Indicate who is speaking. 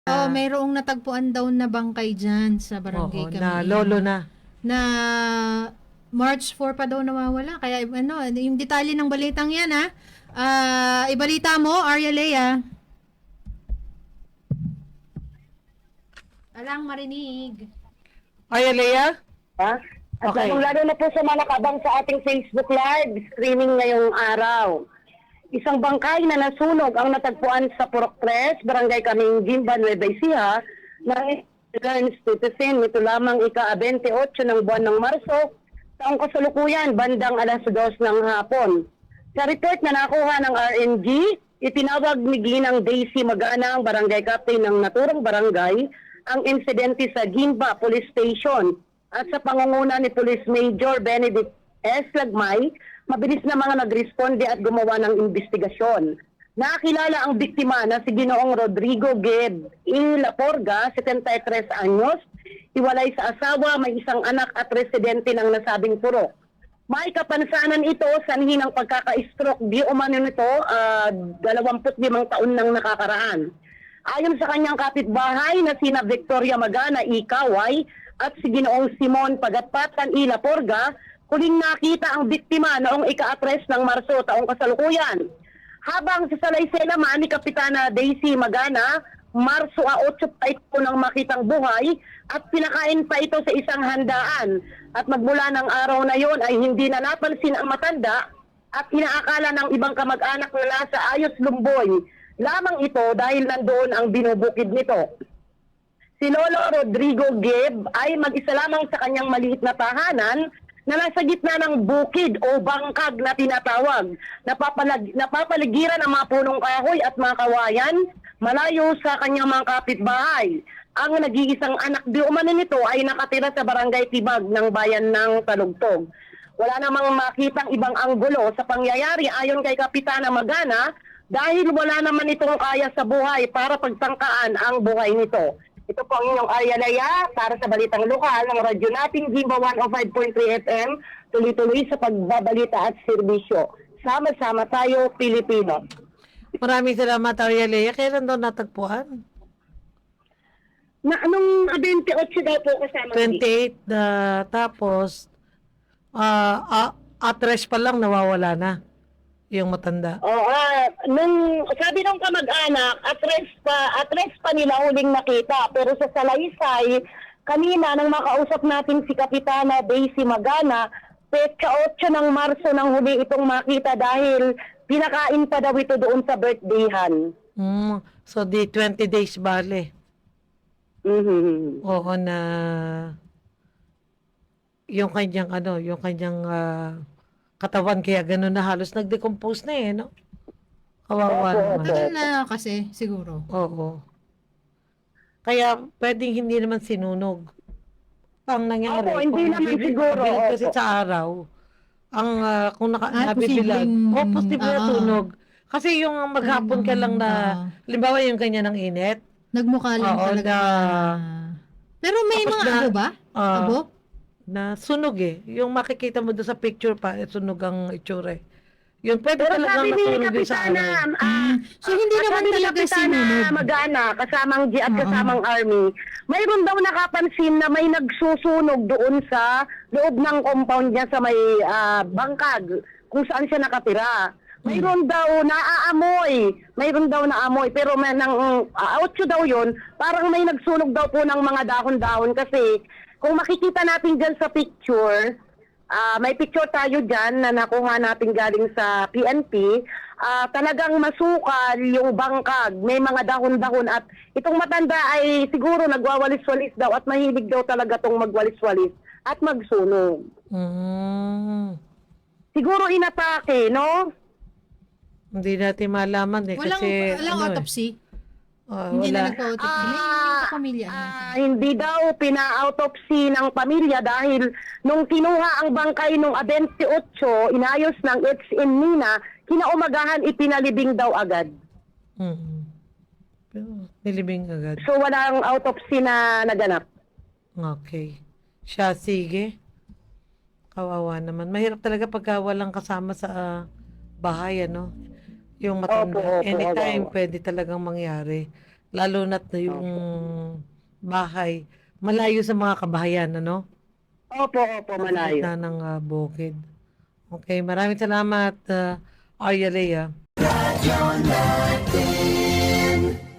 Speaker 1: Oo, mayroong natagpuan daw na bangkay dyan sa barangay
Speaker 2: Oo,
Speaker 1: kami.
Speaker 2: na lolo na.
Speaker 1: Na March 4 pa daw nawawala. Kaya ano, yung detalye ng balitang yan ha. Ibalita mo, Arya Lea. Alang marinig.
Speaker 2: Ay, Alea?
Speaker 3: Ha? At
Speaker 2: Okay.
Speaker 3: lalong-lalo na po sa mga nakabang sa ating Facebook Live streaming ngayong araw. Isang bangkay na nasunog ang natagpuan sa Purok 3, Barangay Kaming Gimba, Nueva Ecija, ng Ernst Titisin, nito lamang ika-28 ng buwan ng Marso, taong kasalukuyan, bandang alas 2 ng hapon. Sa report na nakuha ng RNG, itinawag ni Ginang Daisy Magana, ang barangay captain ng naturang barangay, ang insidente sa Gimba Police Station at sa pangunguna ni Police Major Benedict S. Lagmay, mabilis na mga nagresponde at gumawa ng investigasyon. Nakilala ang biktima na si Ginoong Rodrigo Ged E. Laporga, 73 anyos, hiwalay sa asawa, may isang anak at residente ng nasabing purok. May kapansanan ito sanhi ng pagkaka-stroke di umano nito 25 taon nang nakakaraan. Ayon sa kanyang kapitbahay na sina Victoria Magana Ikaway at si Ginoong Simon Pagatpatan E. Laporga, huling nakita ang biktima noong ika-3 ng Marso taong kasalukuyan. Habang sa salaysay naman ni Kapitana Daisy Magana, Marso 8 pa ito nang makitang buhay at pinakain pa ito sa isang handaan. At magmula ng araw na yon ay hindi na napansin ang matanda at inaakala ng ibang kamag-anak na nasa Ayos Lumboy lamang ito dahil nandoon ang binubukid nito. Si Lolo Rodrigo Geb ay mag-isa lamang sa kanyang maliit na tahanan na nasa gitna ng bukid o bangkag na tinatawag. Napapaligiran ng mga punong kahoy at mga kawayan malayo sa kanyang mga kapitbahay. Ang nag-iisang anak di umano nito ay nakatira sa barangay Tibag ng bayan ng Talugtog. Wala namang makitang ibang anggulo sa pangyayari ayon kay Kapitana Magana dahil wala naman itong kaya sa buhay para pagtangkaan ang buhay nito. Ito po ang inyong Arya Lea para sa Balitang Lokal ng radyo natin Gimba 105.3 FM, tuloy-tuloy sa pagbabalita at serbisyo. Sama-sama tayo, Pilipino.
Speaker 2: Maraming salamat, Arya Lea. Kailan daw natagpuan?
Speaker 3: Na anong 28 daw po kasama?
Speaker 2: 28 na tapos atres pa lang nawawala na yung matanda.
Speaker 3: Oo, nung sabi ng kamag-anak, atres pa nila huling nakita. Pero sa salaysay, kanina nang makausap natin si Kapitana Daisy Magana, petsa 8 ng Marso nang huli itong makita dahil pinakain pa daw ito doon sa birthdayhan.
Speaker 2: So di 20 days bale.
Speaker 3: Mhm.
Speaker 2: Oo na yung kanyang katawan kaya gano'n na halos nag-decompose na no? Kawawa naman.
Speaker 1: Tagal na kasi, siguro.
Speaker 2: Oo. Kaya pwedeng hindi naman sinunog. Ang nangyari,
Speaker 3: Opo, hindi naman siguro,
Speaker 2: nabibilad kasi
Speaker 3: opo.
Speaker 2: sa araw, ang kung nabibilad,
Speaker 1: posibleng,
Speaker 2: posible na tunog. Kasi yung maghapon ka lang na, limbawa yung kanya ng init,
Speaker 1: Nagmukha lang
Speaker 2: Oo,
Speaker 1: talaga. Pero may
Speaker 2: Tapos
Speaker 1: mga
Speaker 2: na-
Speaker 1: abo ba? Abo?
Speaker 2: na sunog yung makikita mo doon sa picture pa, sunog ang itsura Yun, pwede
Speaker 3: Pero
Speaker 2: talagang
Speaker 3: sabi ni
Speaker 2: masunog yun sa
Speaker 3: Kapitana,
Speaker 2: araw.
Speaker 1: So, hindi naman
Speaker 3: sabi ni
Speaker 1: talaga
Speaker 3: Kapitana
Speaker 1: sinunod.
Speaker 3: Magana, kasamang G at
Speaker 1: Oo.
Speaker 3: kasamang Army, mayroon daw nakapansin na may nagsusunog doon sa loob ng compound niya sa may bangkag, kung saan siya nakatira. Mayroon daw naamoy, pero may nang outro daw yun, parang may nagsunog daw po ng mga dahon-dahon kasi kung makikita natin dyan sa picture, may picture tayo dyan na nakuha natin galing sa PNP, talagang masukal yung bangkag, may mga dahon-dahon at itong matanda ay siguro nagwawalis-walis daw at mahilig daw talaga tong magwalis-walis at magsunog. Siguro inatake, no?
Speaker 2: Hindi natin malaman kasi
Speaker 1: Walang autopsy.
Speaker 2: Oh,
Speaker 1: Hindi na
Speaker 2: wala.
Speaker 1: nagpa-autopsy. May sa pamilya.
Speaker 3: Hindi daw pina-autopsy ng pamilya dahil nung kinuha ang bangkay nung 28, inayos ng ex-Nina, kinaumagahan ipinalibing daw agad.
Speaker 2: Pero nilibing agad.
Speaker 3: So walang autopsy na naganap.
Speaker 2: Okay. Siya, sige. Kawawa naman. Mahirap talaga pagka walang kasama sa bahay, Yung matanda.
Speaker 3: Opo,
Speaker 2: Anytime
Speaker 3: opo.
Speaker 2: pwede talagang mangyari. Lalo na't na yung bahay malayo sa mga kabahayan, ano?
Speaker 3: Opo, malayo.
Speaker 2: Na ng bukid. Okay, maraming salamat, Arya Lea.